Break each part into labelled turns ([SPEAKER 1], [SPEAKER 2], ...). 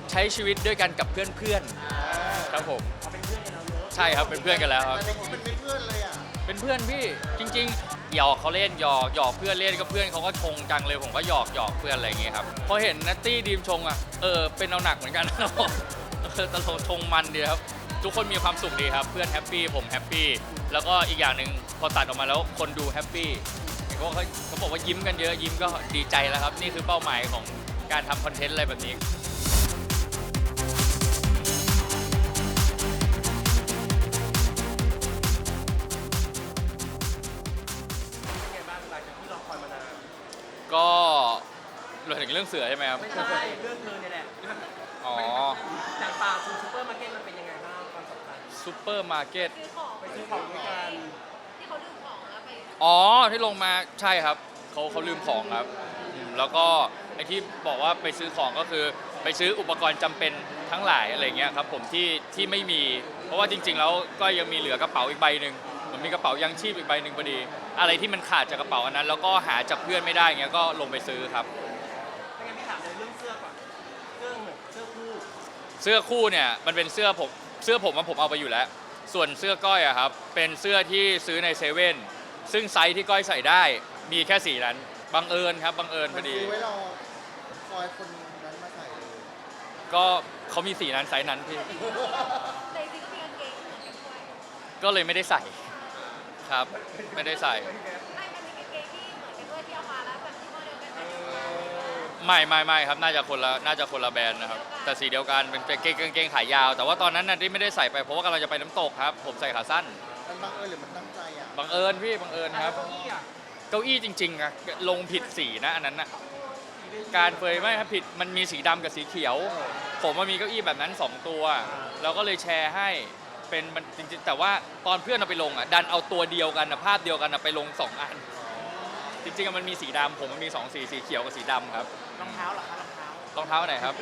[SPEAKER 1] ใช้ชีวิตด้วยกันกับเพื่อนๆครับผม
[SPEAKER 2] เป็นเพื่อนกันแล้วเนอะ
[SPEAKER 1] ใช่ครับเป็นเพื่อนกันแล้วครับ
[SPEAKER 3] แต่ในคลิปมันไม่เพื่อนเลยอ่ะ
[SPEAKER 1] เป็นเพื่อนพี่จริงๆหยอกเขาเล่นหยอกเพื่อนเล่นก็เพื่อนเขาก็ชงจังเลยผมก็หยอกเพื่อนอะไรอย่างเงี้ยครับพอเห็นนัตตี้ดีมชงอ่ะเป็นเอาหนักเหมือนกันนะตลกชงมันดีครับทุกคนมีความสุขดีครับเพื่อนแฮปปี้ผมแฮปปี้แล้วก็อีกอย่างหนึ่งพอตัดออกมาแล้วคนดูแฮปปี้เขาบอกว่ายิ้มกันเยอะยิ้มก็ดีใจแล้วครับนี่คือเป้าหมายของการทำคอนเทนต์อะไรแบบนี้
[SPEAKER 2] เป็นไงบ้างหลังจากที่รอคอยมานาน
[SPEAKER 1] ก็เราถึงเรื่องเสือใช่ไหมครับ
[SPEAKER 2] ไม่ใช่เรื่องเธอเนี่ยแหละ
[SPEAKER 1] อ๋อ
[SPEAKER 2] จากป่าสู่ซูเปอร์มาร์เก็ตมันเป็นยังไงบ้างความสัมพันธ์
[SPEAKER 1] ซูเปอร์มาร์เก็ต
[SPEAKER 2] ไปซื้อของด้วยกัน
[SPEAKER 4] ที่เขาลืมของแล้วไป
[SPEAKER 1] อ๋อที่ลงมาใช่ครับเขาลืมของครับแล้วก็ไอ้ที่บอกว่าไปซื้อของก็คือไปซื้ออุปกรณ์จำเป็นทั้งหลายอะไรเงี้ยครับผมที่ไม่มีเพราะว่าจริงๆแล้วก็ยังมีเหลือกระเป๋าอีกใบหนึ่งมันมีกระเป๋ายังชีพอีกใบหนึ่งพอดีอะไรที่มันขาดจากกระเป๋าอันนั้นแล้วก็หาจากเพื่อนไม่ได้เงี้ยก็ลงไปซื้อครับ
[SPEAKER 2] ไม่งั้นพี่ถามเลยเรื่องเสื้อก่อนเสื้อ
[SPEAKER 1] คู่เนี่ยมันเป็นเสื้อผมผมเอาไปอยู่แล้วส่วนเสื้อก้อยอะครับเป็นเสื้อที่ซื้อในเซเว่นซึ่งไซส์ที่ก้อยใส่ได้มีแค่สีนั้นบังเอิญครับบังเอิญพอดี
[SPEAKER 3] ซื้อไว้รอคอยคนนั้นมาใส่เลย
[SPEAKER 1] ก็เขามีสีนั้นไซส์นั้นพี่
[SPEAKER 4] ในจริงๆกางเกงเหมือนกันด้วย
[SPEAKER 1] ก็เลยไม่ได้ใส่ครับไม่ได้ใส่
[SPEAKER 4] ไม่มันมีกางเกงที่เหมือนกันด้วยที่เอามาแล้วแบบที่โมเดลกันไหม
[SPEAKER 1] ไม่ครับน่าจะคนละแบรนด์นะครับแต่สีเดียวกันเป็นกางเกงขายาวแต่ว่าตอนนั้นน่ะที่ไม่ได้ใส่ไปเพราะว่ากำลังจะไปน้ำตกครับผมใส่ขาสั้น
[SPEAKER 3] มันบังเอิญหรือมันตั้งใจอ่ะ
[SPEAKER 1] บังเอิญพี่บังเอิญครับเก้าอี้จริงๆอะลงผิดสีนะอันนั้นน่ะการเฟยไม่ครับผิดมันมีสีดำกับสีเขียวผมมันมีเก้าอี้แบบนั้น2ตัวเราก็เลยแชร์ให้เป็นมันจริงๆแต่ว่าตอนเพื่อนเอาไปลงอ่ะดันเอาตัวเดียวกันนะภาพเดียวกันนะไปลง2 อันจริงๆมันมีสีดำผมมันมี2 สีเขียวกับสีดำครับ
[SPEAKER 2] รองเท้าเหรอคะ
[SPEAKER 1] รองเท้าไหนครับ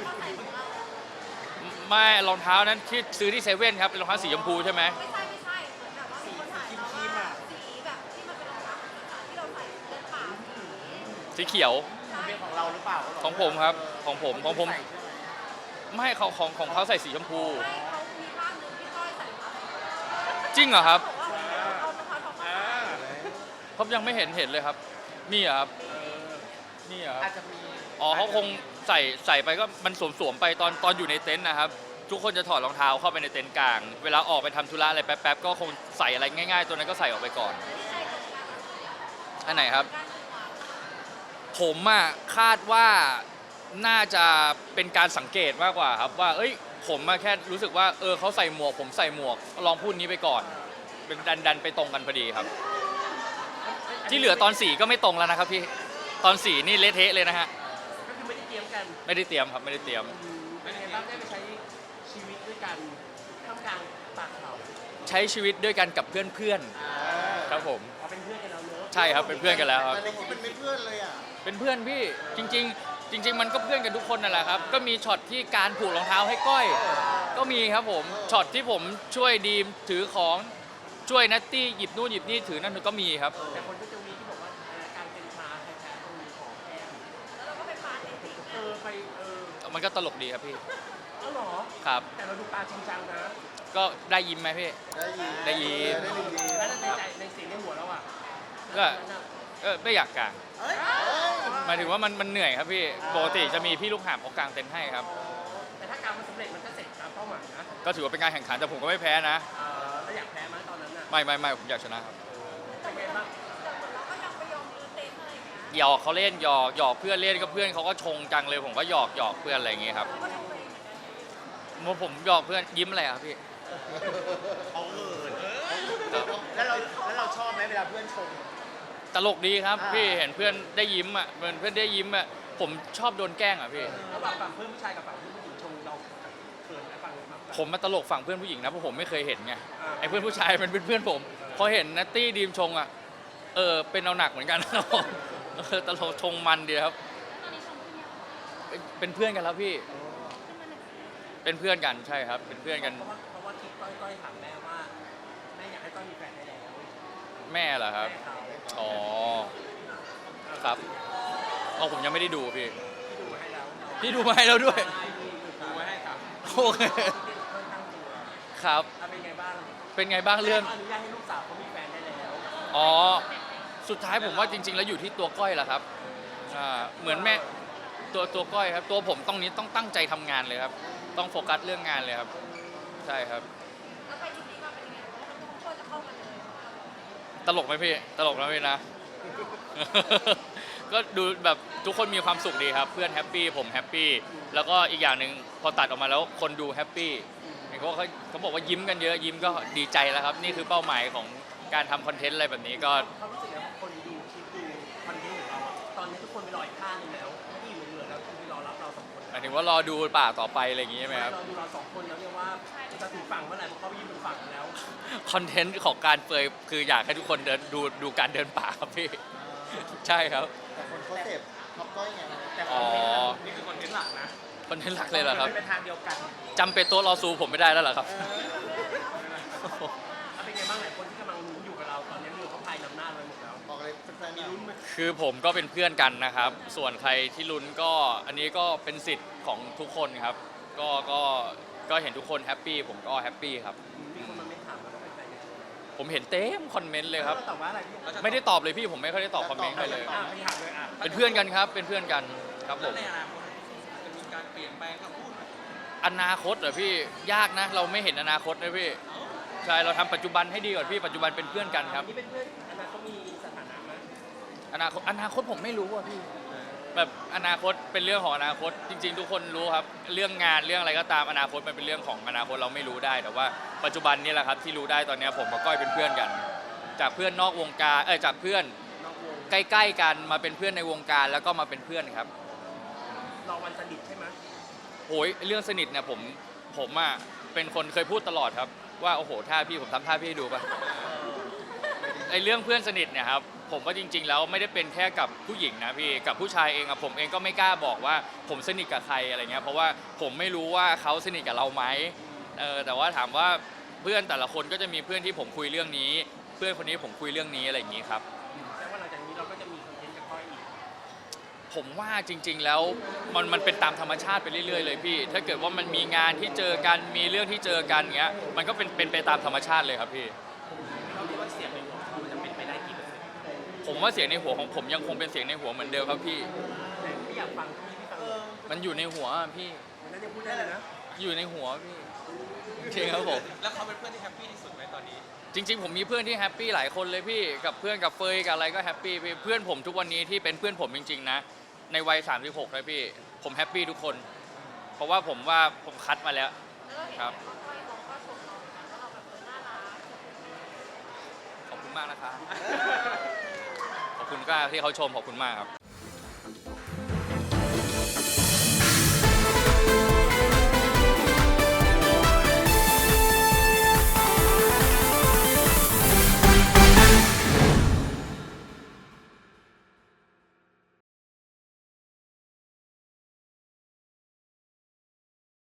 [SPEAKER 1] ไม่รองเท้านั้นที่ซื้อที่เซเว่นครับเป็นรองเท้าสีชมพูใช่ไหม
[SPEAKER 4] ไม่ใช่เหมือนแบบว่ามีคนถ่ายมาว่าสีแบบที่มันเป็นรองเท้าที่เราใส่เดินป่า
[SPEAKER 1] สีเขียว
[SPEAKER 2] เป็นของเราหรือเปล่า
[SPEAKER 1] ของผมครับของผมไม่ของเขาใส่สีชมพู
[SPEAKER 4] ไม่เขามีภาพนึงที่ก้อยใส่มา
[SPEAKER 1] จริงเหรอครับ
[SPEAKER 4] บอกว่าเอารองเท้าของเขา
[SPEAKER 1] ผมยังไม่เห็นเลยครับมีเหรอครับนี่เหรอ
[SPEAKER 2] อาจจะมี
[SPEAKER 1] อ๋อเขาคงใส่ไปก็มันสวมไปตอนอยู่ในเต็นท์นะครับทุกคนจะถอดรองเท้าเข้าไปในเต็นท์กลางเวลาออกไปทำธุระอะไรแป๊บๆก็คงใส่อะไรง่ายๆตัวนั้นก็ใส่ออกไปก่อนอันไหนครับผมอะคาดว่าน่าจะเป็นการสังเกตมากกว่าครับว่าผมแค่รู้สึกว่าเขาใส่หมวกผมใส่หมวกลองพูดนี้ไปก่อนเป็นดันไปตรงกันพอดีครับที่เหลือตอน4ก็ไม่ตรงแล้วนะครับพี่ตอน4นี่เละเทะเลยนะฮะ
[SPEAKER 2] ก็คือไม่ได้เตรียมกัน
[SPEAKER 1] ไม่ได้เตรียมครับไม่ได้เตรียม
[SPEAKER 2] เป็นไงบ้างได้ไปใช้ชีวิตด้วยกันท่ามกลางป่าเขา
[SPEAKER 1] ใช้ชีวิตด้วยกันกับเพื่อนๆครับผม
[SPEAKER 2] เป็นเพื่อนกันแล้วเนอะ
[SPEAKER 1] ใช่ครับเป็นเพื่อนกันแล้วครับ
[SPEAKER 3] แต่ในคลิปมันไม่เพื่อนเลยอ่ะ
[SPEAKER 1] เป็นเพื่อนพี่จริงๆมันก็เพื่อนกันทุกคนนั่นแหละครับก็มีช็อตที่การผูกรองเท้าให้ก้อยก็มีครับผมช็อตที่ผมช่วยดีมถือของช่วยนัตตี้หยิบนู่นหยิบนี่ถือนั่นก็มีครับ
[SPEAKER 2] แต่คนก็จะมีที่บอกว่าการเป็นพาแท้ๆต้องมีของแก้ม
[SPEAKER 4] แล้วเราก็ไปปาจริง
[SPEAKER 2] ไป
[SPEAKER 1] มันก็ตลกดีครับพี่
[SPEAKER 2] หรอ
[SPEAKER 1] ครับ
[SPEAKER 2] แต่เราดูปลาจริงจังนะ
[SPEAKER 1] ก็ได้ยิ้มไหมพี่ได้ยิ้ม
[SPEAKER 2] แล้วในใจในเสียงในหัวเราอ่ะ
[SPEAKER 1] ก็ไม่อยากกางหมายถึงว่ามันเหนื่อยครับพี่ปกติจะมีพี่ลูกหาบเขากางเต็นท์ให้ครับ
[SPEAKER 2] แต่ถ้าการมันสำเร็จมันก็เสร็จตามเป้าหมายนะ
[SPEAKER 1] ก็ถือว่าเป็นการแข่งขันแต่ผมก็ไม่แพ้นะ
[SPEAKER 2] แล้วอยากแพ้ไหมตอนนั้นอ่ะ
[SPEAKER 1] ไม่ผมอยากชนะครับ
[SPEAKER 2] เป็นไงบ้าง
[SPEAKER 4] แต่เหมือนเราก็ยังไปยอมรื้อเต็นท์อะไรอย่างเงี้ย
[SPEAKER 1] หยอกเขาเล่นหยอกเพื่อนเล่นก็เพื่อนเขาก็ชงจังเลยผมก็หยอกเพื่อนอะไรอย่างเงี้ยครับผมหยอกเพื่อนยิ้มอะไรครับพี่
[SPEAKER 3] เขาเอิญแล้วเราชอบไหมเวลาเพื่อนชม
[SPEAKER 1] ตลกดีครับพี่เห็นเพื่อนได้ยิ้มอ่ะเพื่อนได้ยิ้มอ่ะผมชอบโดนแกล้งอ่ะพี่
[SPEAKER 2] ระหว่างฝั่งเพื่อนผู้ชายกับฝั่งเพื่อนผู้หญิงชมเราเขินไหมฝั่ง
[SPEAKER 1] ผมมาตลกฝั่งเพื่อนผู้หญิงนะเพราะผมไม่เคยเห็นไงไอ้เพื่อนผู้ชายเป็นเพื่อนผมพอเห็นนัตตี้ดีมชงอ่ะเป็นเอาหนักเหมือนกันนะตลกชงมันดีครับเป็นเพื่อนกันแล้วพี่เป็นเพื่อนกันใช่ครับเป็นเพื่อนกัน
[SPEAKER 2] เพราะว่าคิดก้อยถามแม่ว่าแม่อยากให้ก้อยมีแฟนได้แล้ว
[SPEAKER 1] แม่เหรอครับอ๋อครับผมยังไม่ได้ดูพี่ดูมาให้แล้วด้วย
[SPEAKER 2] ดูมาให้
[SPEAKER 1] โอเค
[SPEAKER 2] ค่อนข้างตัว
[SPEAKER 1] ครับ
[SPEAKER 2] เป็นไงบ้าง
[SPEAKER 1] เป็นไงบ้างเรื่อง
[SPEAKER 2] อนุญาตให้ลูกสาวเขามีแฟนได้แล้ว
[SPEAKER 1] อ๋อ สุดท้ายผมว่าจริง ๆ แล้วอยู่ที่ตัวก้อยแหละครับเหมือนแม่ตัวก้อยครับ ตัวผมต้องตั้งใจทำงานเลยครับ ต้องโฟกัสเรื่องงานเลยครับ ใช่ครับ
[SPEAKER 4] แล้วไปที่นี่มาเป็นยังไงเพราะว่าทุกคนจะเข้ามาเลย
[SPEAKER 1] ตลกไหมพี่ ตลกนะพี่นะ ก็ดูแบบทุกคนมีความสุขดีครับ เพื่อนแฮปปี้ผมแฮปปี้แล้วก็อีกอย่างหนึ่งพอตัดออกมาแล้วคนดูแฮปปี้เห็นเขาบอกว่ายิ้มกันเยอะยิ้มก็ดีใจแล้วครับ นี่คือเป้าหมายของการทำคอนเทนต์อะไรแบบนี้ก็
[SPEAKER 2] เขารู้สึกแล้วคนดูคลิปดูคอนเทนต์ของเราอะตอนนี้ทุกคนไปรออีกข้างหนึงแล้วที่อยู่เหลือแล้วคือไปรอรับเราสองคน
[SPEAKER 1] หมายถึงว่ารอดูป่าต่อไปอะไรอย่างงี้ใช่ไหมครับ
[SPEAKER 2] เราดูเราสองคนแล้วเนี่ยว่าจะถึงฝั่งเมื่อไหร่เพราะเขาไปยืนบนฝั่งแล้ว
[SPEAKER 1] คอนเทนต์ของการเปยคืออยากให้ทุกคนเดินดูการเดินป่าครับพี่ ใช่ครับ
[SPEAKER 3] แต่คนเขาเสพท็อปก้อยไง
[SPEAKER 2] แต่ค
[SPEAKER 1] อ๋
[SPEAKER 2] อน
[SPEAKER 1] อ
[SPEAKER 2] เทนต์อะนี่คือคอนเทนต์หลักนะ
[SPEAKER 1] คอนเทนต์หลักเลยเหรอครับ
[SPEAKER 2] เป็นทางเดียวกัน
[SPEAKER 1] จำเป็นโต๊ะรอซูผมไม่ได้แล้วเหรอครับ
[SPEAKER 2] แล้วเป็นไงบ้างหลายคนที่กำลังลุ้นอยู่กับเราตอนนี้มือเขาพายนำหน้าเราหมดแล้ว
[SPEAKER 3] บอกเลยแฟนๆมีลุ้นไหม
[SPEAKER 1] คือผมก็เป็นเพื่อนกันนะครับ ส่วนใครที่ลุ้นก็อันนี้ก็เป็นสิทธิ์ของทุกคนครับ ก็เห็นทุกคนแฮปปี้ผมก็แฮปปี้ครับ
[SPEAKER 2] มีคนมาเม้นถามว่าเราเป็นแฟนกัน
[SPEAKER 1] ผมเห็นเต็มคอมเมนต์เลยครับ
[SPEAKER 2] เราตอบว่าอะไรพี่
[SPEAKER 1] ไม่ได้ตอบเลยพี่ผมไม่ค่อยได้ตอบคอมเมนต์ใครเลย
[SPEAKER 2] ไปถามเลยอ่ะ
[SPEAKER 1] เป็นเพื่อนกันครับ เป็นเพื่อนกันครับผม
[SPEAKER 2] ในอนาคตจะมีการเปลี่ยนแปลงคำพูดไหม
[SPEAKER 1] อนาคตเหรอพี่ยากนะ เราไม่เห็นอนาคตนะพี่ใช่เราทำปัจจุบันให้ดีก่อนพี่ปัจจุบันเป็นเพื่อนกันครับ
[SPEAKER 2] นี่เป็นเพื่อนอนาคตมีสถานะไหม
[SPEAKER 1] อนาคตผมไม่รู้อ่ะพี่แบบอนาคตเป็นเรื่องของอนาคตจริง ๆ ทุกคนรู้ครับเรื่องงานเรื่องอะไรก็ตามอนาคตมันเป็นเรื่องของอนาคตเราไม่รู้ได้แต่ว่าปัจจุบันนี่แหละครับที่รู้ได้ตอนนี้ผมกับก้อยเป็นเพื่อนกัน จากเพื่อนนอกวงการจากเพื่อน
[SPEAKER 2] นอกวง
[SPEAKER 1] ใกล้ๆกันมาเป็นเพื่อนในวงการแล้วก็มาเป็นเพื่อนครับ
[SPEAKER 2] รอวันสนิทใช่ไหม
[SPEAKER 1] โอ้ยเรื่องสนิทเนี่ยผมอ่ะเป็นคนเคยพูดตลอดครับว่าโอ้โหท่าพี่ผมทำท่าพี่ให้ดูป่ะไอเรื่องเพื่อนสนิทเนี่ยครับผมว่าจริง ๆ แล้วไม่ได้เป็นแค่กับผู้หญิงนะพี่กับผู้ชายเองอะผมเองก็ไม่กล้าบอกว่าผมสนิทกับใครอะไรเงี้ยเพราะว่าผมไม่รู้ว่าเขาสนิทกับเราไหมแต่ว่าถามว่าเพื่อนแต่ละคนก็จะมีเพื่อนที่ผมคุยเรื่องนี้ เพื่อนคนนี้ผมคุยเรื่องนี้อะไรอย่างงี้ครับ
[SPEAKER 2] แต่ว่าหลังจากนี้เราก็จะมีคอนเทนต์กับก้อยอีก
[SPEAKER 1] ผมว่าจริง ๆ แล้วมันเป็นตามธรรมชาติไปเรื่อยๆเลยพี่ ถ้าเกิดว่ามันมีงานที่เจอกันมีเรื่องที่เจอกันเงี้ยมันก็เป็นไปตามธรรมชาติเลยครับพี่
[SPEAKER 2] เราคิดว่าเสียงในหัวเขามันจะเป็นไปได้กี่เปอร์เซ็นต์
[SPEAKER 1] ผมว่าเสียงในหัวของผมยังคงเป็นเสียงในหัวเหมือนเดิมครับพี่
[SPEAKER 2] แต่ไม่อยากฟังที่พี่ฟัง
[SPEAKER 1] มันอยู่ในหัวอะพี่
[SPEAKER 2] วันนั้นยังพูดได้เลยนะ
[SPEAKER 1] อยู่ในหัวพี่จริงครับผม
[SPEAKER 2] แล้วเขาเป็นเพื่อนที่แฮปปี้ที่สุดไหมตอนนี้
[SPEAKER 1] จริง ๆ ผมมีเพื่อนที่แฮปปี้หลายคนเลยพี่กับเพื่อนกับเฟยกับอะไรก็แฮปปี้พี่เพื่อนผมทุกวันนี้ที่เป็นเพื่อนผมจริง ๆ นะ ในวัย36เลยพี่ผมแฮปปี้ทุกคน เพราะว่าผมคัดมาแล้ว
[SPEAKER 4] แล้วเราเห็น
[SPEAKER 1] ครับ
[SPEAKER 4] ว่าก้อยเขาก็ชมเราว่าเราแบบน่ารัก
[SPEAKER 1] ขอบคุณมากนะครับ ขอบคุณก็ที่เขาชมขอบคุณมากครับ